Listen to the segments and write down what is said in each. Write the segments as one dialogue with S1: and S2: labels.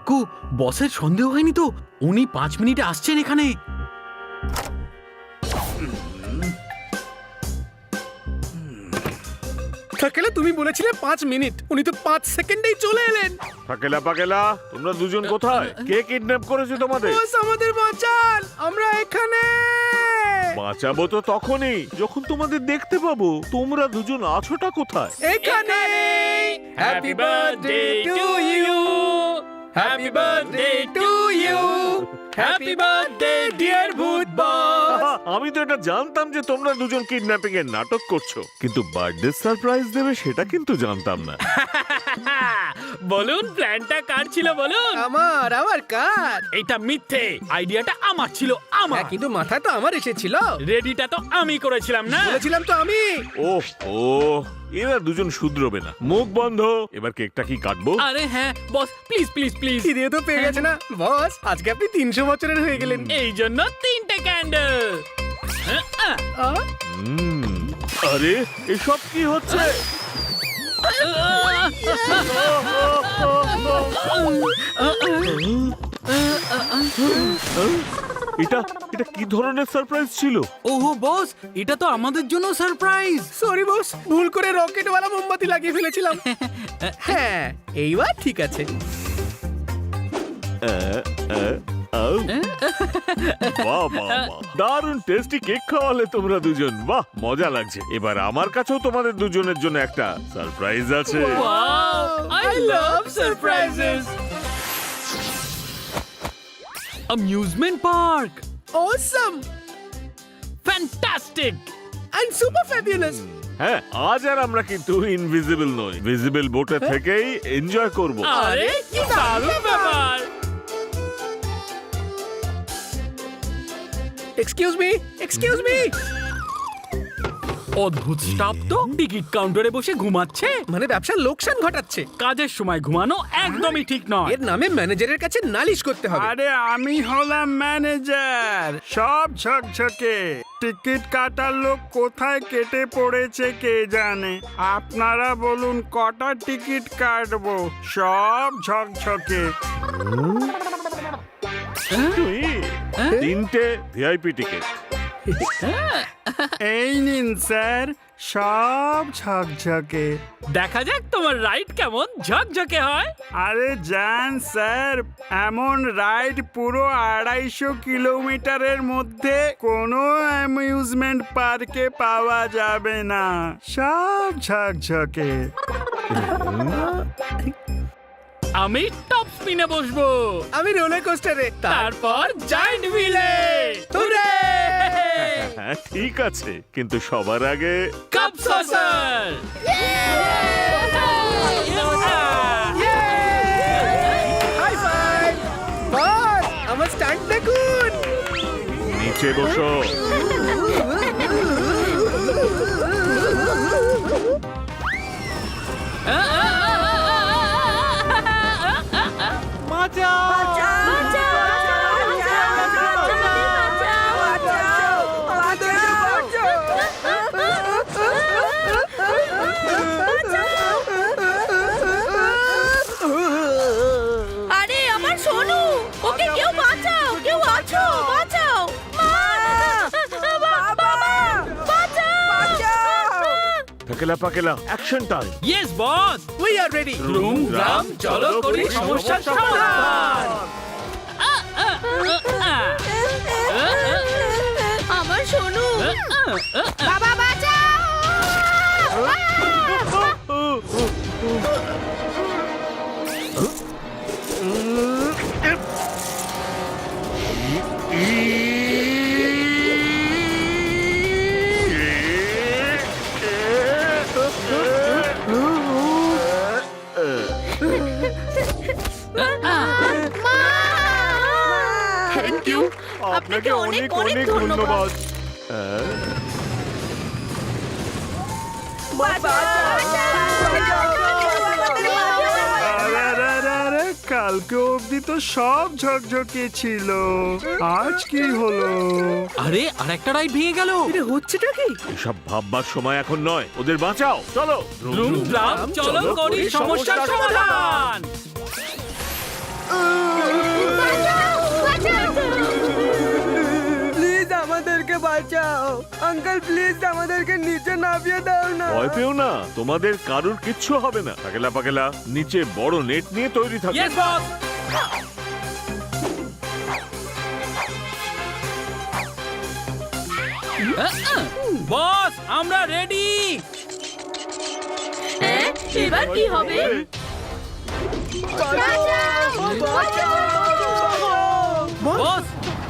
S1: কাকু, বসের সন্দেহ হয়নি তো? উনি 5 মিনিটে আসছেন এখানে।
S2: থাকেলা তুমি বলেছিলে 5 মিনিট, উনি তো 5 সেকেন্ডেই চলে এলেন।
S3: পাকেলা পাকেলা, তোমরা দুজন কোথায়? কে কিডন্যাপ করেছে তোমাদের?
S2: বস আমাদের বাঁচান, আমরা এখানে।
S3: বাঁচাবো তো তখনই যখন তোমাদের দেখতে পাবো। তোমরা দুজন আছোটা কোথায়?
S2: এখানে। Happy birthday to you, happy birthday to you, happy birthday dear ভূত বস।
S3: আমি তো এটা জানতাম যে তোমরা দুজন কিডন্যাপিং এর নাটক করছো, কিন্তু বার্থডে সারপ্রাইজ দেবে সেটা কিন্তু জানতাম না।
S1: বলুন, প্ল্যানটা কার ছিল বলুন?
S2: আমার কার?
S1: এটা মিথ্যে, আইডিয়াটা আমার ছিল, আমার।
S2: হ্যাঁ, কিন্তু মাথায় তো আমার এসেছিল।
S1: রেডিটা তো আমি করেছিলাম না?
S2: বলেছিলাম তো আমি।
S3: ওহ ও, এবার দুজন শুধরোবে না। মুখ বন্ধ। এবার কেকটা কি কাটবো?
S1: আরে হ্যাঁ বস, প্লিজ প্লিজ প্লিজ।
S2: খিদে তো পেয়ে গেছে না বস? আজকে আপনি 300 বছরের হয়ে গেলেন।
S1: এই জন্য 3টে ক্যান্ডেল।
S3: আরে এসব কি হচ্ছে? এটা এটা কি ধরনের সারপ্রাইজ ছিল?
S1: ওহো বস, এটা তো আমাদের জন্য সারপ্রাইজ।
S2: সরি বস, ভুল করে রকেটওয়ালা মোমবাতি লাগিয়ে ফেলেছিলাম। হ্যাঁ, এইবার ঠিক আছে।
S3: বাহ বাহ বাহ, দারুণ টেস্টি কেক খাওয়ালে তোমরা দুজন। বাহ, মজা লাগছে। এবার আমার কাছেও তোমাদের দুজনের জন্য একটা সারপ্রাইজ আছে।
S1: Wow, I love surprises. Amusement park.
S2: Awesome
S1: Fantastic.
S2: and super fabulous.
S3: হ্যাঁ, আজ আর আমরা কিন্তু ইনভিজিবল নই। ভিজিবল বোটে থেকেই এনজয় করব।
S1: আরে কি দারুণ ব্যাপার।
S2: Excuse me.
S1: অদ্ভুত স্টাফ তো, টিকিট কাউন্টারে বসে ঘুমাচ্ছে।
S2: মানে ব্যবসার লোকসান ঘটাচ্ছে।
S1: কাজের সময় ঘুমানো একদমই ঠিক নয়।
S2: এর নামে ম্যানেজারের কাছে নালিশ করতে হবে।
S4: আরে আমি হলাম ম্যানেজার, সব ঝকঝকে। টিকিট কাটার লোক কোথায় কেটে পড়েছে কে জানে। আপনারা বলুন কটা টিকিট কাটবো? সব ঝকঝকে।
S3: তুই 3টে ভিআইপি টিকিট।
S4: এই নিন স্যার, সব ঝকঝকে।
S1: দেখা যাক তোমার রাইড কেমন ঝকঝকে হয়।
S4: আরে যান স্যার, এমন রাইড পুরো 250 কিলোমিটারের মধ্যে কোনো অ্যামিউজমেন্ট পার্কে পাওয়া যাবে না। সব ঝকঝকে।
S1: আমি টপ স্পিনে বসবো,
S2: আমি রোলার কোস্টারে,
S1: তারপর জায়ান্ট হুইলে।
S2: হুররে!
S3: হ্যাঁ ঠিক আছে, কিন্তু সবার আগে
S1: cup saucer.
S2: High five! Boss, আমার স্টান্ট দেখুন।
S3: নিচে বসো।
S5: আরে আমার সোনু, ওকে কেউ বাঁচাও, কেউ আছো, বাঁচাও। বাবা, বাঁচাও।
S3: পাকেলা পাকেলা, action time.
S1: Yes boss.
S2: We are ready.
S1: রুম রাম চলো করি সমস্যার সমাধান।
S5: আমার সোনু, বাবা বাঁচাও।
S3: থ্যাংক ইউ, আপনাকে অনেক অনেক ধন্যবাদ।
S4: আরে কালকে অবধি তো সব ঝকঝকে ছিল, আজ কি হলো?
S1: আরে আর একটা রাইড ভেঙে গেল।
S2: এটা হচ্ছেটা কি?
S3: এসব ভাববার সময় এখন নয়, ওদের বাঁচাও। চলো
S1: রুম রাম চলো করি সমস্যার সমাধান।
S6: প্লিজ আমাদেরকে বাঁচাও আঙ্কেল, প্লিজ আমাদেরকে নিচে নামিয়ে দাও না।
S3: ভয় পেও না, তোমাদের কারুর কিচ্ছু হবে না। পাকেলা পাকেলা নিচে বড় নেট নিয়ে তৈরি থাকো।
S1: Yes boss. বস আমরা রেডি।
S5: এবার কি হবে?
S1: বস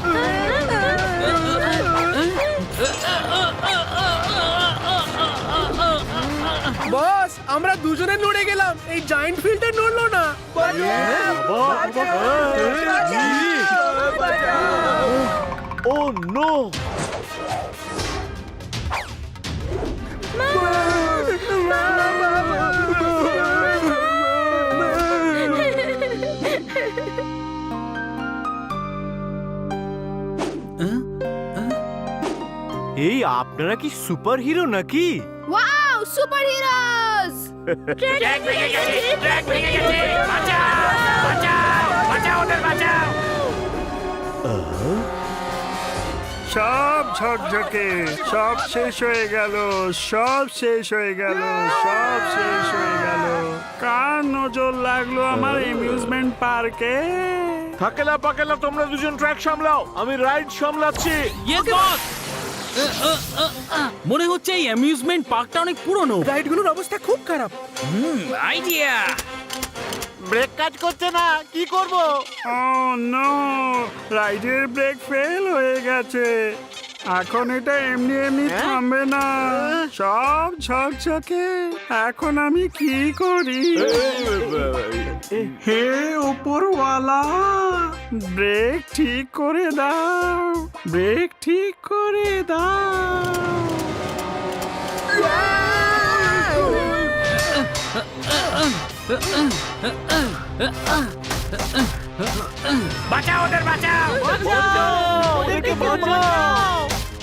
S2: বস, আমরা দুজনে নড়ে গেলাম, এই জায়ান্ট ফিল্ডে নড়লো না।
S3: Oh no!
S7: এই আপনারা কি সুপার হিরো নাকি?
S5: Wow, super heroes!
S4: সব ঝকঝকে, সব শেষ হয়ে গেল, সব শেষ হয়ে গেল, সব শেষ হয়ে গেল। কার নজর লাগলো আমার অ্যামিউজমেন্ট পার্কে?
S3: পাকেলা পাকেলা তোমরা দুজন ট্র্যাক সামলাও, আমি রাইড সামলাচ্ছি।
S1: Yes boss. মনে হচ্ছে এই অ্যামিউজমেন্ট পার্কটা অনেক পুরনো।
S2: রাইডগুলোর অবস্থা খুব খারাপ।
S1: আইডিয়া।
S7: ব্রেক কাজ করছে না, কি করব?
S4: ও নো, রাইডের ব্রেক ফেল হয়ে গেছে। এখন এটা এমনি এমনি থামবে না, সব ঝকঝকে। এখন আমি কি করি? হে উপরওয়ালা, ব্রেক ঠিক করে দাও, ব্রেক ঠিক করে দাও।
S1: বাঁচাও ওদের, বাঁচাও।
S7: ওদেরকে বাঁচাও!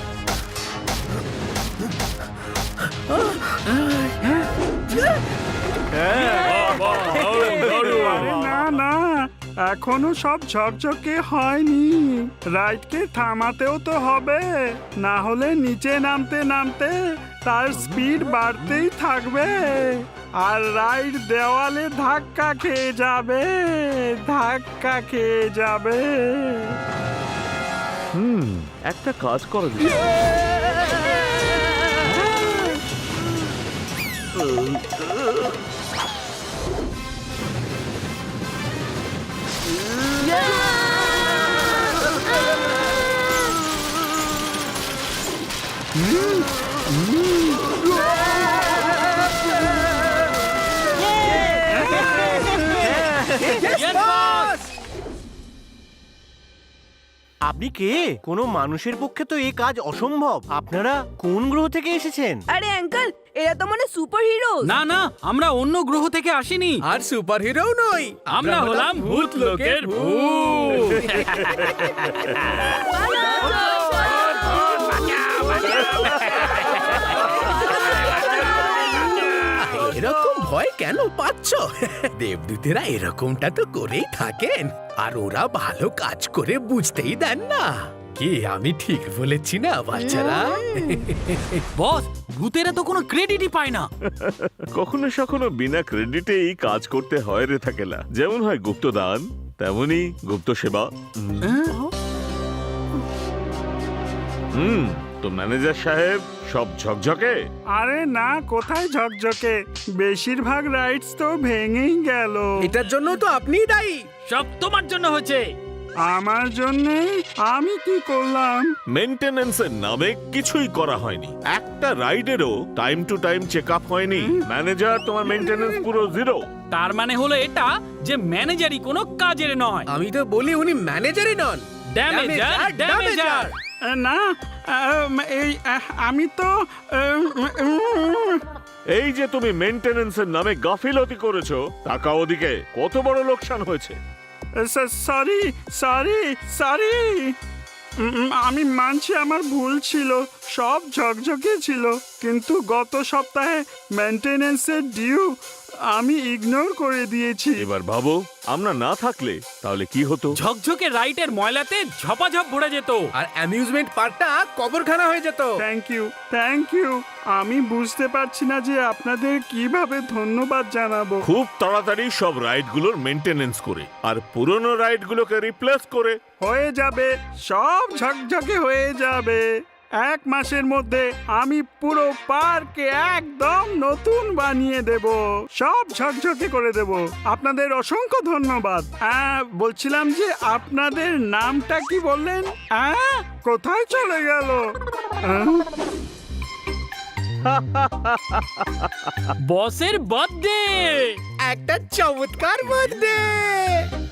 S4: আরে না না, এখনো সব ঝকঝকে হয়নি। রাইডকে থামাতেও তো হবে, না হলে নিচে নামতে নামতে তার স্পিড বাড়তেই থাকবে আর রাইড দেওয়ালে ধাক্কা খেয়ে যাবে, ধাক্কা খেয়ে যাবে।
S3: একটা কাজ করা যায়।
S7: আপনি কে? কোনো মানুষের পক্ষে তো এই কাজ অসম্ভব। আপনারা কোন গ্রহ থেকে এসেছেন?
S6: আরে আঙ্কেল, এরা তো মানে সুপার হিরো।
S1: না না, আমরা অন্য গ্রহ থেকে আসিনি।
S2: আর সুপার হিরোও নই,
S1: আমরা হলাম ভূত লোকের ভূত।
S2: এরকম ভয় কেন পাচ্ছ? দেবদূতেরা এরকমটা তো করেই থাকেন, আর ওরা ভালো কাজ করে বুঝতেই দেন না। কি আমি ঠিক বলেছি না বাচ্চারা?
S1: বস, ভূতেরা তো কোনো ক্রেডিটই পায় না।
S3: কখনো সখনো বিনা ক্রেডিটে এই কাজ করতে হয় রে থাকেলা। যেমন হয় গুপ্তদান, তেমনি গুপ্ত সেবা। তো ম্যানেজার সাহেব সব ঝকঝকে?
S4: আরে না, কোথায় ঝকঝকে, বেশিরভাগ রাইডস তো ভেঙেই গেল।
S2: এটার জন্য তো আপনিই দায়ী।
S1: সব তোমার জন্য হয়েছে।
S4: আমার জন্যে? আমি কি করলাম?
S3: মেইনটেনেন্সের নামে কিছুই করা হয়নি। একটা রাইডেরও time to time check up হয়নি। ম্যানেজার, তোমার মেইনটেনেন্স পুরো জিরো।
S1: তার মানে হলো এটা যে ম্যানেজারই কোনো কাজের নয়।
S2: আমি তো বলি উনি ম্যানেজারই নন,
S1: ড্যামেজার, ড্যামেজার।
S4: না, এই আমি তো
S3: এই যে তুমি মেইনটেনেন্সের নামে গাফিলতি করেছো, টাকা ওদিকে কত বড় লোকসান হয়েছে।
S4: সরি সরি সরি, আমি মানছি আমার ভুল ছিল, সব ঝকঝকে ছিল, কিন্তু গত সপ্তাহে মেইনটেনেন্সের ডিউ আমি ইগনোর করে দিয়েছি।
S3: এবার ভাবো আমরা না থাকলে তাহলে কি হতো?
S1: ঝকঝকে রাইটের ময়লাতে ঝপাঝপ ভরে যেত।
S2: আর অ্যামিউজমেন্ট পার্কটা কবরখানা হয়ে যেত।
S4: Thank you. আমি বুঝতে পারছি না যে আপনাদের কিভাবে ধন্যবাদ জানাবো।
S3: খুব তাড়াতাড়ি সব রাইডগুলোর মেইনটেনেন্স করে আর পুরনো রাইডগুলোকে রিপ্লেস করে।
S4: হয়ে যাবে, সব ঝকঝকে হয়ে যাবে। 1 মাসের মধ্যে আমি পুরো পার্কে একদম নতুন বানিয়ে দেব, সব ঝকঝকে করে দেব। আপনাদের অসংখ্য ধন্যবাদ। বলছিলাম যে আপনাদের নামটা কি বললেন? কোথায় চলে গেল?
S1: বসের বার্থডে।
S2: একটা চমৎকার বার্থডে।